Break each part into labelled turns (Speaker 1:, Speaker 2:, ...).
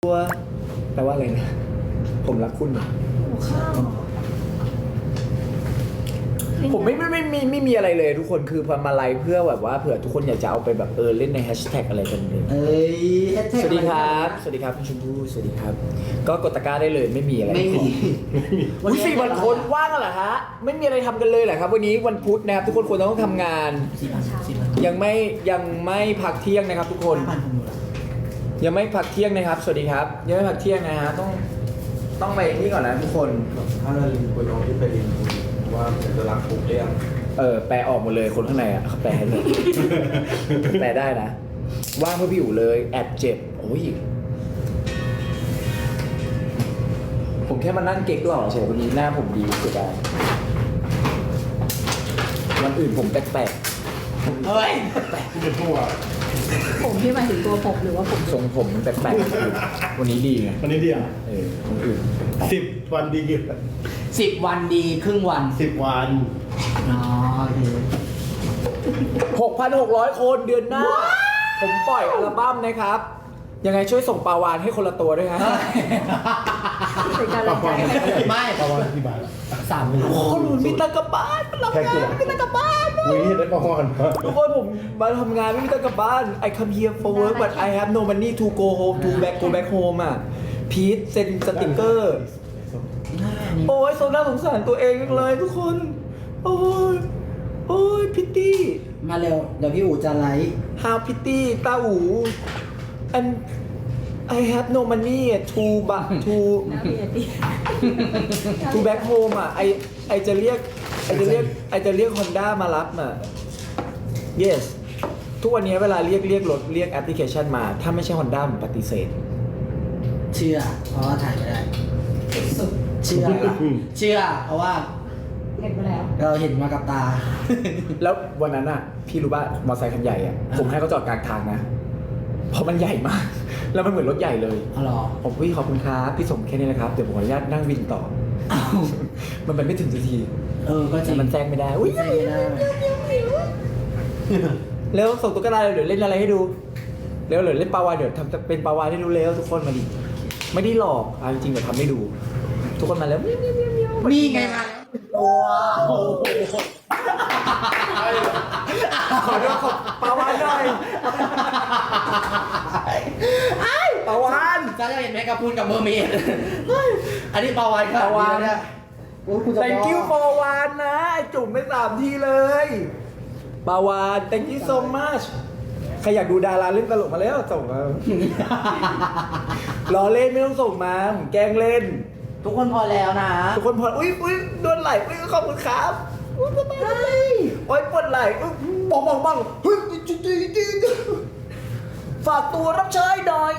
Speaker 1: ตัวแปลว่าอะไรนะผมรักคุณนะ
Speaker 2: หัวข้าว
Speaker 1: ผมไม่มีอะไรเลยทุกคนคือมาไลฟ์เพื่อแบบว่าเผื่อทุกคนอยากจะเอาไปแบบเล่นในแฮชแท็กอะไรกันเลย
Speaker 3: เอ้ยแฮชแท็ก
Speaker 1: สวัสดีครับสวัสดีครับคุณชมพู่สวัสดีครับ ก็กดตะกร้าได้เลยไม่มีอะไร
Speaker 3: ไม่มี
Speaker 1: อุ้ย4 วันคนว่างกันเหรอฮะไม่มีอะไรทำกันเลยเหรอครับวันนี้วันพุธนะครับทุกคนควรต้องทำงาน
Speaker 3: 4,000
Speaker 1: ยังไม่พักเที่ยงนะครับ ทุกคน
Speaker 3: 5,000คนดูละ
Speaker 1: ยังไม่พักเที่ยงนะครับ สวัสดีครับยังไม่พักเที่ยงนะฮะต้องไปนี่ก่อนนะทุกคน
Speaker 4: ถ้าเราลิงคุยน้องที่ไปลิงคุยว่าจะรักปุ๊บเรียง
Speaker 1: แปลออกหมดเลยคนข้างในอ่ะแปลให้เลย แปลได้นะว่างเพื่อพี่อยู่เลยแอบเจ็บโอ้ยผมแค่มานั่งเก๊กหล่อเฉยวันนี้หน้าผมดีเสียดายวันอื่นผมแปลก
Speaker 3: เฮ้ย
Speaker 4: ที่เป็นพวก
Speaker 2: ผมที่หมายถึงตัวผมหรือว่าผม
Speaker 1: ๆทรงผมแปลกๆวันนี้ดีไง
Speaker 4: วันนี้เดียว
Speaker 1: วันอื่น
Speaker 4: 10 วันดีกี่
Speaker 3: 10 วันดีครึ่งวัน
Speaker 4: 10 วัน
Speaker 3: อ๋อโอเค
Speaker 1: 6,600 คนเดือนหน้า ผมปล่อยอัลบั้มนะครับ ยังไงช่วยส่งปลาวานให้คนละตัวด้วยฮะ
Speaker 2: เป็นการ
Speaker 4: ประ
Speaker 2: ใจ
Speaker 4: มาณ
Speaker 3: ไม่
Speaker 4: ประมาณกี่บาท
Speaker 3: 3,000
Speaker 1: คนอื่นมีตังค์กลับบ้านมันรับ
Speaker 4: แค่กี่
Speaker 1: งาน
Speaker 4: บาท
Speaker 1: มีตังค์กลับบ้าน
Speaker 4: วันนี้ได้ประมาณ
Speaker 1: ทุกคนผมมาทำงานไม่มีตังค์กลับบ้าน I come here for work but I have no money to go home to go back home อ่ะพีทเซ็นสติกเกอร์ โอ้ยโซน่าสงสารตัวเองจังเลยทุกคน โอ้ยพิตตี้
Speaker 3: มาเร็ว เดี๋ยวพี่อู๋จะไลฟ์
Speaker 1: how pity ตาอู and I have no money to
Speaker 2: น้ำเบียร์ดิ
Speaker 1: to back home อ่ะไอจะเรียกฮอนด้ามารับอ่ะ yes ทุกวันนี้เวลาเรียกรถเรียกแอปพลิเคชันมา ถ้าไม่ใช่ฮอนด้าผมปฏิเสธ
Speaker 3: เชื่อ เพราะว่าถ่ายไม่ได้
Speaker 2: สุด
Speaker 3: เชื่อ เชื่อ เพราะว่า
Speaker 2: เห็นไปแล้ว
Speaker 3: เราเห็นมากับตา
Speaker 1: แล้ววันนั้นอ่ะ พี่รู้ป่ะมอเตอร์ไซค์คันใหญ่อ่ะ ผมให้เขาจอดกลางทางนะ เพราะมันใหญ่มาก แล้วมันเหมือนรถใหญ่เลย
Speaker 3: อ๋อเหรอ
Speaker 1: ผมพี่ขอบคุณครับพี่ส่งแค่นี้นะครับ เดี๋ยวผมขออนุญาตนั่งวินต่อ
Speaker 3: อ้าว
Speaker 1: มันไปไม่ถึงสักที
Speaker 3: ก็จริ
Speaker 1: แต่
Speaker 3: ง
Speaker 1: มันแซงไม่ได้อุ้ย
Speaker 3: ใช่ไม่ได้
Speaker 1: แล้วส่งตุ๊กตาเดี๋ยวเล่นอะไรให้ดูเร็วเดี๋ยวเล่นปลาวานเดี๋ยวทำเป็นปลาวานให้ดูเร็วทุกคนมาดิไม่ได้หลอกเอาจริงๆเดี๋ยวทำให้ดู ทุกคนมาแล้ว
Speaker 3: นี่ไงมาว้าว
Speaker 1: ขอด้วยขอปลาวานหน่อยปลาวาน
Speaker 3: จ้าจะเห็นแมกกาพูนกับเมอร์เมดอันนี้ปลาวานค่ะ
Speaker 1: ปลาวาฬ
Speaker 3: เนี่ยโอ้ยคุณจะ
Speaker 1: thank you ปลาวานนะไอ้จุ่มไม่3 ทีเลยปลาวาน thank you so much ใครอยากดูดาราเล่นตลกมาแล้วส่งมา รอเล่นไม่ต้องส่งมาผมแกล้งเล่น
Speaker 3: ทุกคนพอแล้วนะ
Speaker 1: ทุกคนพออุ้ยโดนไหลอุ้ยขอบคุณครับอุ้ยสบายโอ้ยปวดไหลอุ้ยบ้องเฮ้ยจุ๊ฝากตัวรับใช้หน่อย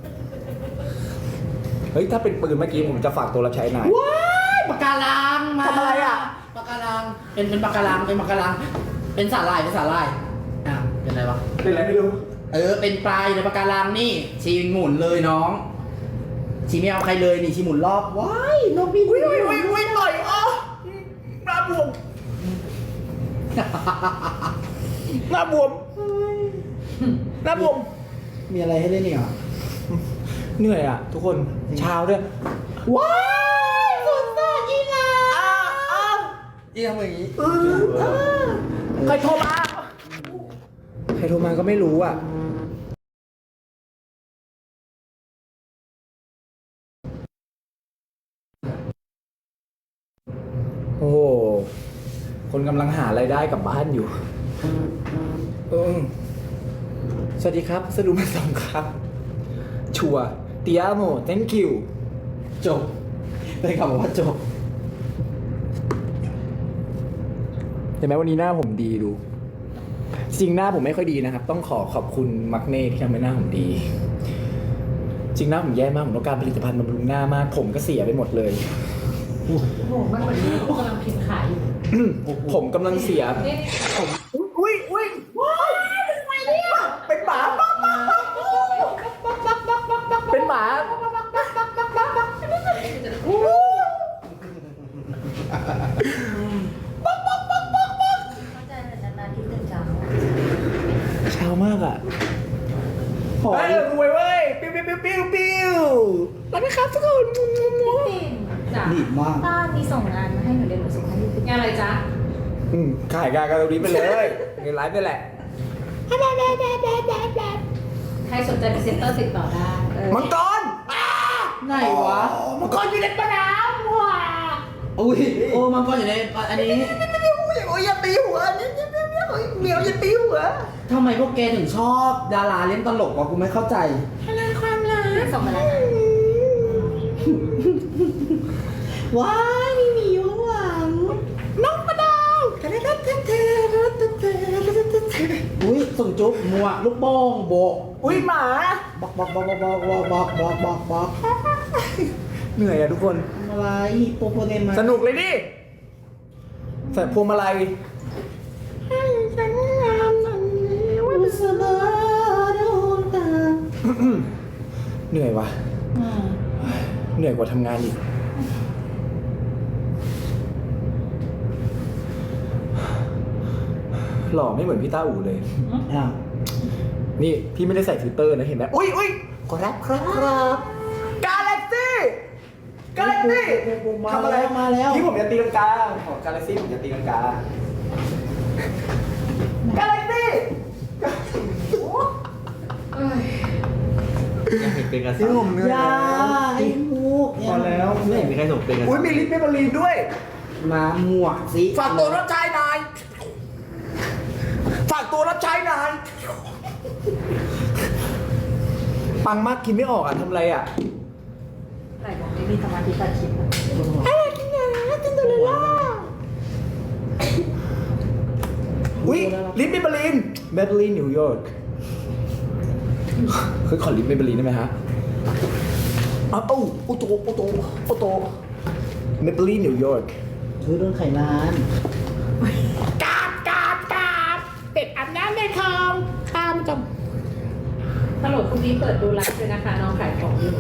Speaker 1: เฮ้ยถ้าเป็นปืนเมื่อกี้ผมจะฝากตัวรับใช้นาย
Speaker 3: ว้ายปากการังมา
Speaker 1: ทำอะไรอ่ะ
Speaker 3: ปากการังเป็นปากการังเป็นปากการังเป็นสาหร่ายอ่ะเป็นอะไรวะ
Speaker 1: เป็นอะไรไม่รู้
Speaker 3: เป็นปลายในปากการังนี่ชีหมุนเลยน้องชีไม่เอาใครเลยนี่ชีหมุนรอบว้ายนกพี่
Speaker 1: อุ้ยหน่อยอ๋อหน้าบวมหน้าบวมหน้าบวม
Speaker 3: มีอะไรให้เล่นนี่เหรอ
Speaker 1: เหนื่อยอ่ะ ทุกคนเช้าด้วย
Speaker 3: ว้ายสุดยอดอีลา
Speaker 1: อ้าว
Speaker 3: อีทำอย่างนี้
Speaker 1: ใครโทรมาใครโทรมาก็ไม่รู้อ่ะโอ้โหคนกำลังหารายได้กลับบ้านอยู่สวัสดีครับสรุปมา2ครับ ชัวเตียโม thank you
Speaker 3: จบได้คำบอกว่าจบ
Speaker 1: เห็นไหมวันนี้หน้าผมดีดู จริงหน้าผมไม่ค่อยดีนะครับ ต้องขอบคุณมักเน่ที่ทำให้หน้าผมดี จริงหน้าผมแย่มากผมต้องการผลิตภัณฑ์บำรุงหน้ามาก ผมก็เสียไปหมดเลย
Speaker 2: โอ้โหมันเหมือนที่กำลังพิมพ์ขายอยู่
Speaker 1: ผมกำลังเสีย
Speaker 2: นี่
Speaker 1: ผมอุ้ยว้ายเป็นหมาเป็นหมา
Speaker 2: เข้าใจแต่นานๆที่ตื่นเช้า
Speaker 1: เช้ามากอ่ะ
Speaker 3: หอย
Speaker 1: รวยเว้ยปิ้วนะครับทุกคน
Speaker 2: พี่ปิ่นจ้ะ
Speaker 3: ดีมาก
Speaker 2: ป้ามีส่งงานมาให้หนูเดี๋ยวหนูส่งให้พี่ปิ่น
Speaker 5: งานอะไรจ๊ะ
Speaker 1: ขายงานกันตรงนี้ไปเลยเงินไลฟ์ไปแหละ
Speaker 5: ใครสนใจพรีเซนเตอร์ติดต่อได้
Speaker 1: มังกร
Speaker 3: ไหนวะ
Speaker 1: มังกรอยู่ในปะน้ำว่ะ
Speaker 3: อุ้ยโอ้มังกรอยู่ในอันนี้
Speaker 1: โอ้ยอย่าตีหัวเหมียวอย่าตีหัว
Speaker 3: ทำไมพวกแกถึงชอบดาราเล่นตลกวะกูไม่เข้าใจ
Speaker 2: ส่งมาแล้วนะ
Speaker 3: ว้ายมีหมีอยู่ข้างหลัง
Speaker 1: น้องมะนาว
Speaker 3: อุ้ยส่งจุ๊บมัวลูกโป่งโบก
Speaker 1: อุ้ยหมา
Speaker 3: บอก
Speaker 1: เหนื่อยอะทุกคน
Speaker 3: อะไรโปโปเดมา
Speaker 1: สนุกเลยดิใส่พวงมาลัย
Speaker 3: อุสบาโดนตา
Speaker 1: เหนื่อยว่ะ เหนื่อยกว่าทำงานอีก หล่อไม่เหมือนพี่ต้าอู่เลย
Speaker 3: อ้าว
Speaker 1: นี่พี่ไม่ได้ใส่ฟิลเตอร์นะเห็นไหมอุ้ยครับกาแล็กซี่ทำอะไร
Speaker 3: มาแล้ว
Speaker 1: พี่ผมจะตีลังกาของกาแล็กซี่ผมจะตีลังกากาแล็กซี่
Speaker 4: ยังเห็นเป็นกระ
Speaker 1: ที่
Speaker 4: สับ
Speaker 1: ผมเหนื่อย
Speaker 3: ยาไอ้มูก
Speaker 4: พอแล้วไม่เห็นมีใครส่งเป็นกระสั
Speaker 1: อุ้ย
Speaker 4: บ
Speaker 1: มีลิปเมเบอรีนด้วย
Speaker 3: มาหมวกสิ
Speaker 1: ฝากตัวรับใช้นาย ฝากตัวรับใช้นาย ปังมากกินไม่ออกอ่ะทำอะไรอ่ะ
Speaker 5: ไหนบอกไม่มีสมาธิตัดคลิปนะ
Speaker 1: อุ้ยลิปเมเบอรีนนิวยอร์กเคยขอลิปเมเบอรีนได้ไหมฮะอ้าวโอโตเมเบอรีนนิวยอร์ก
Speaker 3: ถือโดนไขลาน
Speaker 1: กาบเป็ดอาบน้ำในคลองตามจัง
Speaker 5: ตลกพรุ่งนี้เปิดดูไลฟ์เลยนะคะ น้องขายของอยู่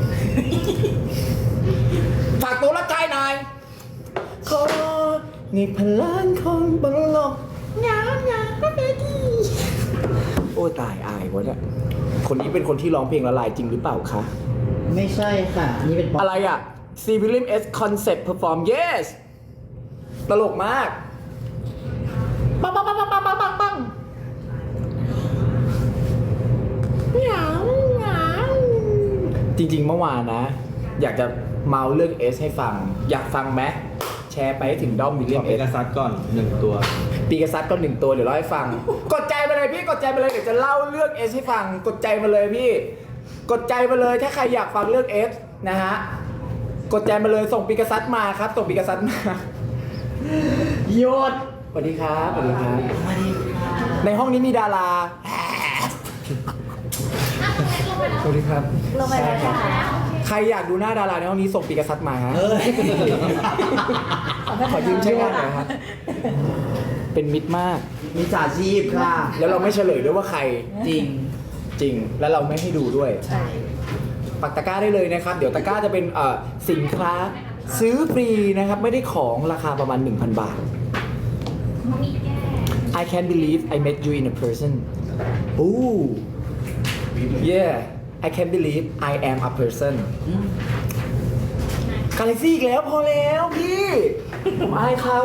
Speaker 1: ฝากตัวรับใช้นายขอนี่พลังของบนโลกงามก็ได้ที่โอ้ตายอายวะเนี่ยคนนี้เป็นคนที่ร้องเพลงละลายจริงหรือเปล่าคะ
Speaker 3: ไม่ใช่ค่ะนี่เป็นป๊อป
Speaker 1: อะไรอ่ะ C William S Concept Perform Yes ตลกมากปังจริงๆเมื่อวานนะ อยากจะเมาเรื่อง S ให้ฟัง อยากฟังไหมแชร์ไปให้ถึงด้อมวิลเลี
Speaker 4: ข
Speaker 1: ย
Speaker 4: อ
Speaker 1: ม
Speaker 4: เป็
Speaker 1: เอน
Speaker 4: กระซัดก่อน1 ตัว
Speaker 1: ปีกษัตริย์ก็1 ตัวเดี๋ยวเล่าให้ฟัง กดใจมาเลยพี่กดใจมาเลยเดี๋ยวจะเล่าเรื่อง S ให้ฟัง กดใจมาเลยพี่ กดใจมาเลยถ้าใครอยากฟังเรื่อง S นะฮะกดใจมาเลยส่งปีกษัตริย์มาครับส่งปีกษัตริย์มา
Speaker 3: หยุด
Speaker 1: สวัสดีครับสวัสดีครับ
Speaker 3: มาดิ
Speaker 1: ในห้องนี้มีดาราสวัสดีครับ
Speaker 2: ลงไปแล้ว
Speaker 1: ใช่ครับ
Speaker 2: ค่ะ
Speaker 1: ใครอยากดูหน้าดาราในห้องนี้ส่งปีกษัตริย์มาฮะ
Speaker 3: เอ้ย
Speaker 1: ขอยืมใช้งานหน่อยครับ เป็นมิตรมาก
Speaker 3: มีจ่าชีพค่ะ
Speaker 1: แล้วเราไม่เฉลยด้วยว่าใคร
Speaker 3: จริง
Speaker 1: จริง แล้วเราไม่ให้ดูด้วย
Speaker 5: ใช่
Speaker 1: ปักตะกร้าได้เลยนะครับ เดี๋ยวตะกร้าจะเป็นสินค้าซื้อฟรีนะครับ ไม่ได้ของราคาประมาณ 1,000 บาท I can't believe I met you in a person Ooh yeah I can't believe I am a person กาแล็กซี่อีกแล้วพอแล้วพี่ผมอายเขา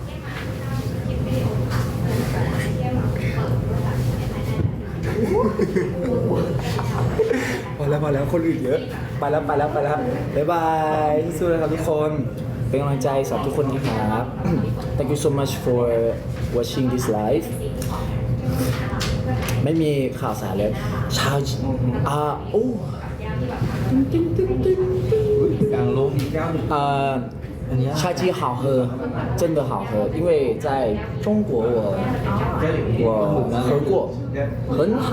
Speaker 1: พอแล้วคนอื่นเยอะ ไปแล้วบ๊ายบายสู้ๆนะครับทุกคน เป็นกำลังใจสำหรับทุกคนนะครับ Thank you so much for watching this live ไม่มีข่าวสารเลยชาวโอ้
Speaker 4: กลางโลกมี91
Speaker 1: 菜鸡好喝，真的好喝，因为在中国我喝过，很好。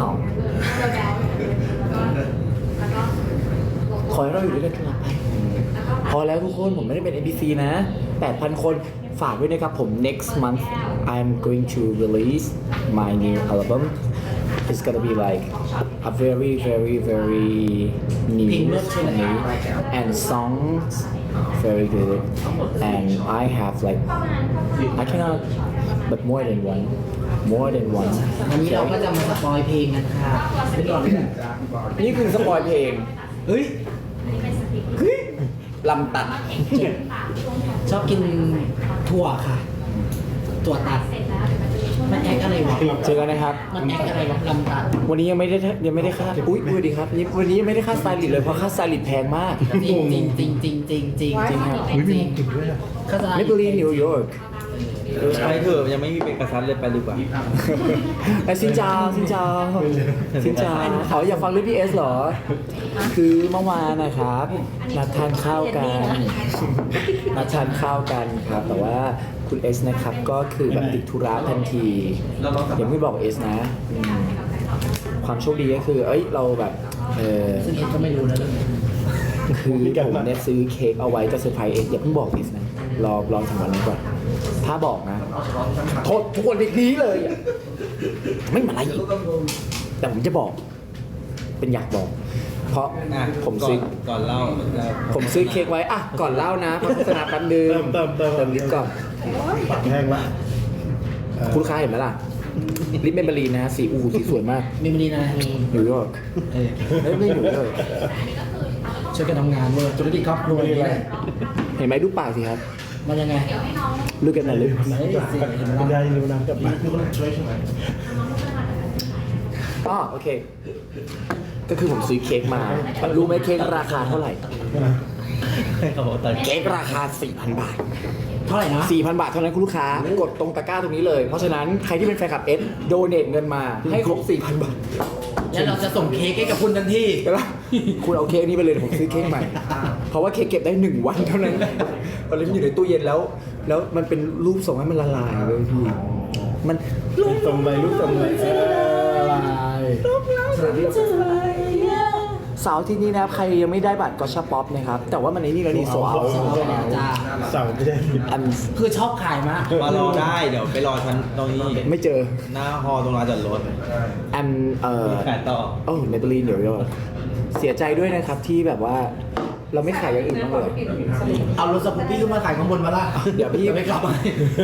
Speaker 1: ขอให้เราอยู่ด้วยกันตลอดไป พอแล้วทุกคนผมไม่ได้เป็น NPC นะ 8,000 คนฝากด้วยนะครับผม next month I'm going to release my new album it's gonna be like a very new and songs very good and I have like I cannot but more than one
Speaker 3: วันนี้เราก็จะมาสปอยเพลงกันค่ะไม่ก่อนเลย
Speaker 1: นี่คือสปอยเพลง
Speaker 3: เฮ้ย
Speaker 1: เฮ้ย
Speaker 3: ลำตัด ชอบกินถั่วค่ะ ถั่วตัด มันแอคอะไรวะ
Speaker 1: เจอกันนะครับ
Speaker 3: มันแอคอะไรวะลำตัด
Speaker 1: วันนี้ยังไม่ได้ค่าอุ้ยสวัสดีครับวันนี้ยังไม่ได้ค่าสไตลิสต์เลยเพราะค่าสไตลิสต์แพงมาก
Speaker 3: จริงจริงจริงจริงจริงจริง
Speaker 1: จริงครับ
Speaker 3: จริงเข้าใจ
Speaker 1: เมเปิลลีนิวยอร์ก
Speaker 4: ไปเถอะยังไม่มีเป็นกระซันเลยไปดีกว่า
Speaker 1: ไอ้ซินจาซินจาซินจาเขาอยากฟังเรื่องพี่เอสเหรอ คือเมื่อวานนะครับนัดทานข้าวกันนัดทานข้าวกันครับ แต่ว่าคุณเอสนะครับก็คือแบบติดธุระทันทีอย่าเพิ่งบอกเอสนะความโชคดีก็คือ เอ้ยเราแบบ
Speaker 3: ซึ่งเอ็ดก็ไม่รู้นะเรื่องนี้
Speaker 1: คือผมเนี่ยซื้อเค้กเอาไว้จะเซอร์ไพรส์เอสอย่าเพิ่งบอกเอสนะรอถึงวันนั้นก่อนถ้าบอกนะโทษทุกคนนี้เลยอะไม่มาอะไรอีกแต่ผมจะบอก เป็นอยากบอก เพราะผมซื้อ
Speaker 4: ก่อนเล่า
Speaker 1: ผมซื้อเค้กไว้อ่ะก่อนเล่านะเพราะโฆษณาแป๊บนึง
Speaker 4: เติม
Speaker 1: ลิปก่อน
Speaker 4: ปากแห้งละ
Speaker 1: คุณลูกค้าเห็นไหมล่ะลิปเมมเบอรีนนะสีสีสวยมาก
Speaker 3: มีมันดีนะมี
Speaker 1: นิวยอร์ก
Speaker 3: เออ
Speaker 1: ไม่นิวยอร์ก
Speaker 3: ช่วยกันทำงานเลยธุรกิจครอบครัวนี่แหละ
Speaker 1: เห็นไหมดูปากสิครับ
Speaker 3: มันยังไง
Speaker 1: ลูกกันนะลึก
Speaker 3: ไม่สิเห็นไหม
Speaker 4: คุณ
Speaker 3: ล่ะ
Speaker 4: ยายนิ้วน้ำกับปาก
Speaker 1: อ๋อโอเค ก็คือผมซื้อเค้กมารู้ไหมเค้กราคาเท่าไหร่ เค้กราคา 4,000 บาท
Speaker 3: เท่าไหร่นะ
Speaker 1: 4,000 บาทเท่านั้นคุณลูกค้ากดตรงตะกร้าตรงนี้เลย เพราะฉะนั้นใครที่เป็นแฟนคลับเอสโดเนทเงินมาให้ครบ 4,000 บาท
Speaker 3: แล้วเราจะส่งเค้กให้กับคุณทันที
Speaker 1: เดี๋ยวนะคุณเอาเค้กนี้ไปเลยเดี๋ยวผมซื้อเค้กใหม่ เพราะว่าเค้กเก็บได้ 1 วันเท่านั้นตอนนี้มันอยู่ในตู้เย็นแล้ว แล้วมันเป็นรูปส่งให้มันละลายเลยพี่มัน
Speaker 4: ตรงไรลูกตรงไร
Speaker 1: เสาร์ที่นี้นะครับใครยังไม่ได้บัตรก็ชาป๊อปนะครับ แต่ว่ามันในนี่แล้วนี่โซเอา
Speaker 3: จ้า
Speaker 4: เสาไม่ใช่
Speaker 1: อัน
Speaker 3: คือชอบขายมาก
Speaker 4: มารอได้เดี๋ยวไปรอชั้นตรงนี้
Speaker 1: ไม่เจอ
Speaker 4: หน้าฮอตรงลานจอดรถ
Speaker 1: อัน
Speaker 4: แปดต่อ
Speaker 1: โอ้เมเบลีนเดี๋ยวเสียใจด้วยนะครับที่แบบว่าเราไม่ขายอย่างอื่นบ้างเลย
Speaker 3: เอารถสกูปปี้ขึ้นมาขายข้างบนมาละ
Speaker 1: เดี๋ยวพี่
Speaker 3: ไม่กลับมา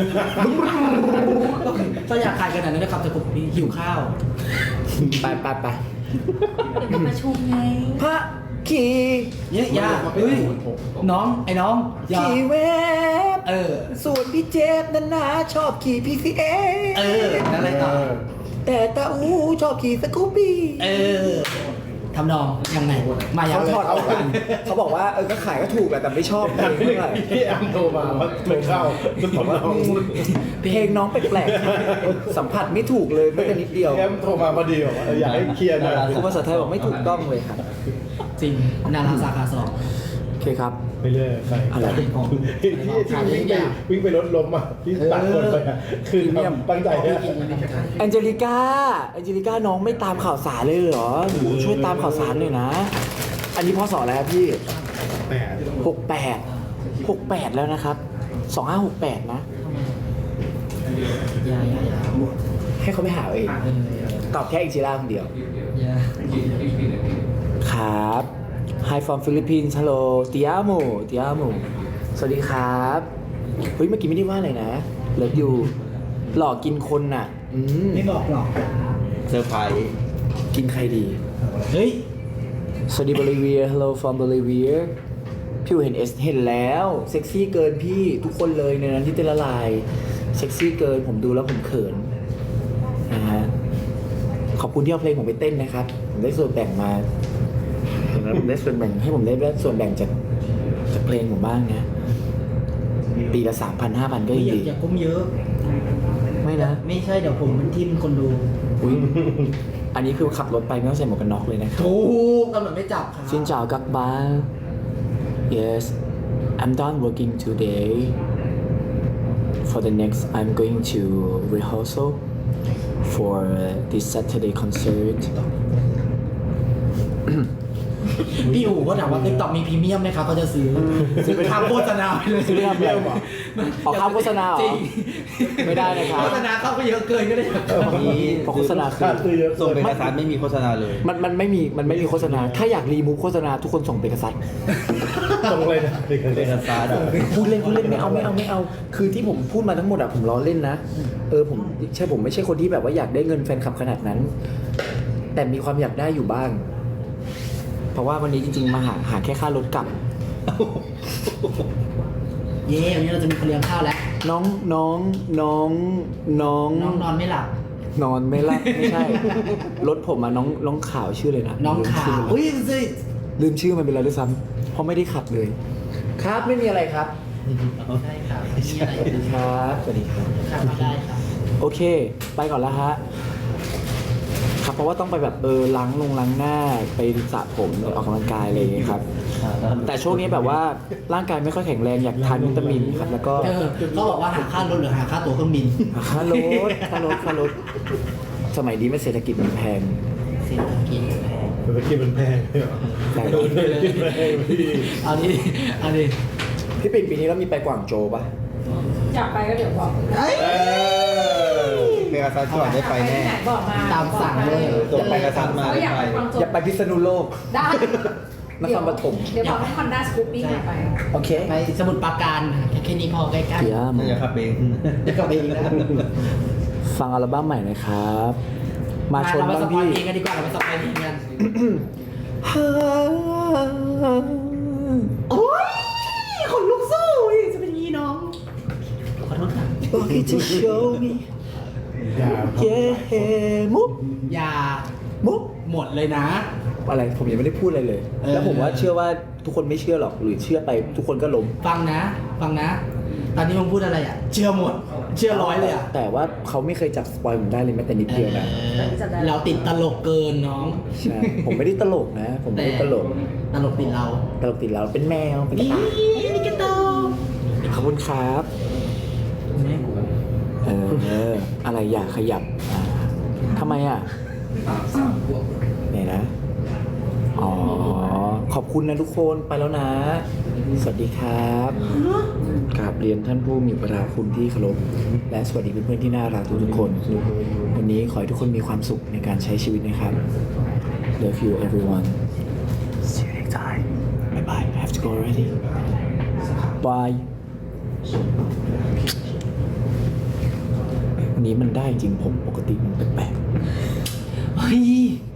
Speaker 3: ถ้าอยากขายขนาดนั้นนะครับสกูปปี้หิวข้าว
Speaker 1: ไป
Speaker 2: เดี๋ยวมาประชุมไง
Speaker 1: พระขี่
Speaker 3: เนี่ยยาเฮ้ยน้องไอ้น้องอย่า
Speaker 1: ขี่เวฟ
Speaker 3: เออ
Speaker 1: ส่วนพี่เจฟนั้นนะชอบขี่ PCA
Speaker 3: เออแล้วอะไรต่อ
Speaker 1: แต่ตาอูชอบขี่สกูปปี้
Speaker 3: เออทำนองยังไงมายัง
Speaker 1: เขาถอดเอากันเขาบอกว่าก็ขายก็ถูกแหละแต่ไม่ชอบเพลงเท่าไหร่
Speaker 4: พี่แอมโทรมาว่าไม่เข้าคุณผมว่า
Speaker 1: เพลงน้องแปลกๆสัมผัสไม่ถูกเลยไม่แต่นิดเดียว
Speaker 4: พี่แอมโทรมาพอดีบอกว่าอยากให้เคลียร์หน่อย
Speaker 1: ครูภาษาไทยบอกไม่ถูกต้องเลยครับ
Speaker 3: จริงนาราสาขาสอง
Speaker 1: โอเคครับ
Speaker 4: ไปเรื่อยใคร
Speaker 1: อะไร
Speaker 4: ที่วิ่งไปรถล้มอ่ะที่ตัดคนไปอ่ะคือตั้งใจเนี่ย
Speaker 1: แองเจลิก้าน้องไม่ตามข่าวสารเลยเหรอหนูช่วยตามข่าวสารหน่อยนะ อันนี้พศอะไรครับพี่ 68แล้วนะครับ2568นะ
Speaker 3: อย่า
Speaker 1: ให้เขาไปหาเองตอบแค่อิจิราคนเดียว
Speaker 3: อย่า
Speaker 1: ครับ Hi from Philippines Hello Ti amo สวัสดีครับเฮ้ยเมื่อกี้ไม่ได้ว่าอะไรนะเลิฟยูหลอกกินคนน่ะ
Speaker 3: ไม่บอกหรอก
Speaker 4: เซอร์ไพรส์
Speaker 1: กินใครดี
Speaker 3: เฮ้ย
Speaker 1: สวัสดีบริเวีย Hello from Bolivia พี่อูเห็นเอสเห็นแล้วเซ็กซี่เกินพี่ทุกคนเลยในนั้นที่เต้นละลายเซ็กซี่เกินผมดูแล้วผมเขินนะฮะขอบคุณที่เอาเพลงผมไปเต้นนะครับผมได้ส่วนแบ่งมาผมได้ส่วนแบ่งให้ผมได้ส่วนแบ่งจากเพลงผมบ้างนะปีละ 3,000 5,000 ก็ยังดี
Speaker 3: อย่าก้มเยอะ
Speaker 1: ไม่นะ
Speaker 3: ไม่ใช่เดี๋ยวผมมันทิมคนดู
Speaker 1: อุ้ยอันนี้คือขับรถไปไม่ต้องใส่หมวกกันน็อกเลยนะครับ
Speaker 3: ถูกตำรวจไม่จับครับ
Speaker 1: Xin chào các bạn. Yes, I'm done working today. For the next, I'm going to rehearsal for this Saturday concert.
Speaker 3: พี่อู๋ก็ถามว่าติ๊กต็อกมีพรีเมียมไหมครับเขาจะซื้อไปทำโฆษณาไปเลย
Speaker 1: ซื้อไปทำอะไรออกค่าโฆษณาเหรอ
Speaker 3: จริง
Speaker 1: ไม่ได้นะครับ
Speaker 3: โฆษณาเข้าไปเยอะเกินก็ได้
Speaker 4: นี้
Speaker 1: เพราะโฆษณาคือ
Speaker 4: ส่งเป็นกระซันไม่มีโฆษณาเลย
Speaker 1: มันไม่มีโฆษณา ถ้าอยากรีมูฟโฆษณาทุกคนส่งเปกซัส
Speaker 4: ตรงเลยนะเป็นกระซัน
Speaker 1: พูดเล่นไม่เอา คือที่ผมพูดมาทั้งหมดอะผมล้อเล่นนะ ผมไม่ใช่คนที่แบบว่าอยากได้เงินแฟนคลับขนาดนั้น แต่มีความอยากได้อยู่บ้าง เพราะว่าวันนี้จริงๆมาหาแค่ค่ารถกลับ
Speaker 3: เย้วันนี้เราจะมีคนเลี้ยงข้าวแล้ว
Speaker 1: น้อง
Speaker 3: น้องนอนไม่หลับ
Speaker 1: นอนไม่หลับไม่ใช่ รถผมอะน้องขาวชื่อเลยนะ
Speaker 3: น้องขาวอุ้ยสิ
Speaker 1: ลืมชื่อมันไปแล้วด้วยซ้ำเพราะไม่ได้ขับเลย ครับไม่มีอะไรครับ
Speaker 3: ใช่ครับมีอะไร
Speaker 1: สวัสดีครับสวัสดีครับ
Speaker 3: ครับมาได้ครับ
Speaker 1: โอเค ไปก่อนแล้วฮะครับเพราะว่าต้องไปแบบล้างหน้าไปสระผมออกกำลังกายอะไรอย่างเงี้ยครับ แต่ช่วงนี้แบบว่าร่างกายไม่ค่อยแข็งแรงอยากทานวิตามินครับแล้วก็
Speaker 3: ก็บอกว่าหาค่ารถหรือหาค่าตั๋วเครื่องบิน
Speaker 1: ค่ารถสมัยนี้ไม่เศรษฐกิจมันแพง
Speaker 3: เศรษฐกิจแพง
Speaker 4: เศรษฐกิจมันแพงเลยเหรอ
Speaker 1: ใช่
Speaker 4: โดนเศรษฐกิจแพงพี่
Speaker 3: เอาดิเอาดิ
Speaker 1: พี่ปิ่นปีนี้เรามีไปกวางโจวปะ
Speaker 5: อยากไปก็เดี๋ยวบอก
Speaker 6: เมกาซัสก่อนได้ไปแน่
Speaker 5: หนบอกมา
Speaker 3: ตามสั่งเลย
Speaker 6: ส่งไปกระซับมา
Speaker 5: ก็อยากไปกวางโจว
Speaker 1: อย่าไปพิษณุโลก
Speaker 5: ได้
Speaker 1: นครปฐม
Speaker 5: เดี๋ยวบอกให้คอนด้าสกูปปิ้งไป
Speaker 1: โอเค
Speaker 3: ไปสมุทรปราการแค่นี้พอใกล้ๆ
Speaker 1: เดี๋ยว
Speaker 6: น่าจะขับเอง
Speaker 3: เดี๋ยวกลับไปอีกนะ
Speaker 1: ฟังอัลบั้มใหม่หนะครับ มาชน
Speaker 3: เรา
Speaker 1: บ้าง
Speaker 3: สปอย
Speaker 1: พี่
Speaker 3: เพลงกันดีกว่าเราไปสปอยเพลงกันโอ้ยขนลุกสู้จะเป็นงี้น้องขอโทษค่ะ
Speaker 1: บอกให้จะ show me
Speaker 4: อย่า
Speaker 1: yeah มุก
Speaker 3: อย่า
Speaker 1: มุก
Speaker 3: หมดเลยนะ
Speaker 1: อะไรผมยังไม่ได้พูดอะไรเลย แล้วผมว่าเชื่อว่าทุกคนไม่เชื่อหรอกหรือเชื่อไปทุกคนก็ล้ม
Speaker 3: ฟังนะ ตอนนี้มึงพูดอะไรอ่ะ เชื่อหมด เชื่อร้อยเลยอ่ะ
Speaker 1: แต่ว่าเขาไม่เคยจับสปอยผมได้เลยแม้แต่นิดเดียวนะ
Speaker 3: เราติดตลกเกินน้อง
Speaker 1: ใช่ผมไม่ได้ตลกนะ ผมไม่ได้ตลก
Speaker 3: ตลกติดเรา
Speaker 1: ตลกติดเราเป็นแมวเป็น
Speaker 3: นี่
Speaker 1: ตา
Speaker 3: นี่กระโต
Speaker 1: ขอบคุณครับ
Speaker 3: แม่กู
Speaker 1: อะไรอยากขยับทำไมอ่ะเนี่ยนะ อ๋อ ขอบคุณนะทุกคนไปแล้วนะ สวัสดีครับกราบเรียนท่านผู้มีพระคุณที่เคารพและสวัสดีเพื่อนๆที่น่ารักทุกๆคน วันนี้ขอให้ทุกคนมีความสุขในการใช้ชีวิตนะครับ Love you everyone See you next time Bye bye I have to go already Bye วันนี้มันได้จริงผมปกติมันแปลกๆ
Speaker 3: เฮ้ย